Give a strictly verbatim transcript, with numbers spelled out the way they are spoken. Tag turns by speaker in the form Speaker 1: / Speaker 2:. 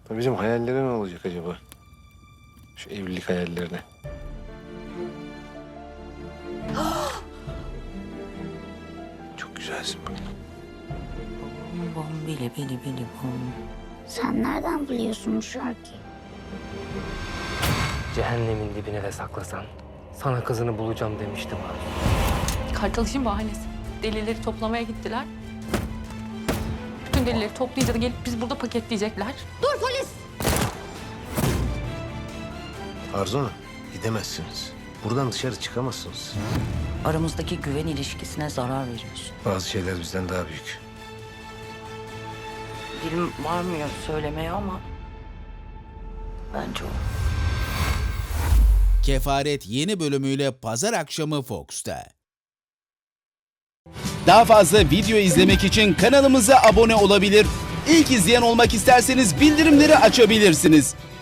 Speaker 1: Bizim hayallere ne olacak acaba? Şu evlilik hayallerine. Çok güzelsin bak.
Speaker 2: Bom bom bili bili bili bom.
Speaker 3: Sen nereden biliyorsun bu şarkıyı?
Speaker 4: Cehennemin dibine de saklasan sana kızını bulacağım demiştim abi.
Speaker 5: Kartal işin bahanesi. Delilleri toplamaya gittiler. Bütün delilleri toplayınca da gelip biz burada paketleyecekler.
Speaker 3: Dur polis!
Speaker 1: Arzu Hanım, gidemezsiniz. Buradan dışarı çıkamazsınız.
Speaker 2: Aramızdaki güven ilişkisine zarar veriyorsun.
Speaker 1: Bazı şeyler bizden daha büyük.
Speaker 2: Dilim varmıyor söylemeye ama bence o.
Speaker 6: Kefaret yeni bölümüyle pazar akşamı Fox'ta. Daha fazla video izlemek için kanalımıza abone olabilir. İlk izleyen olmak isterseniz bildirimleri açabilirsiniz.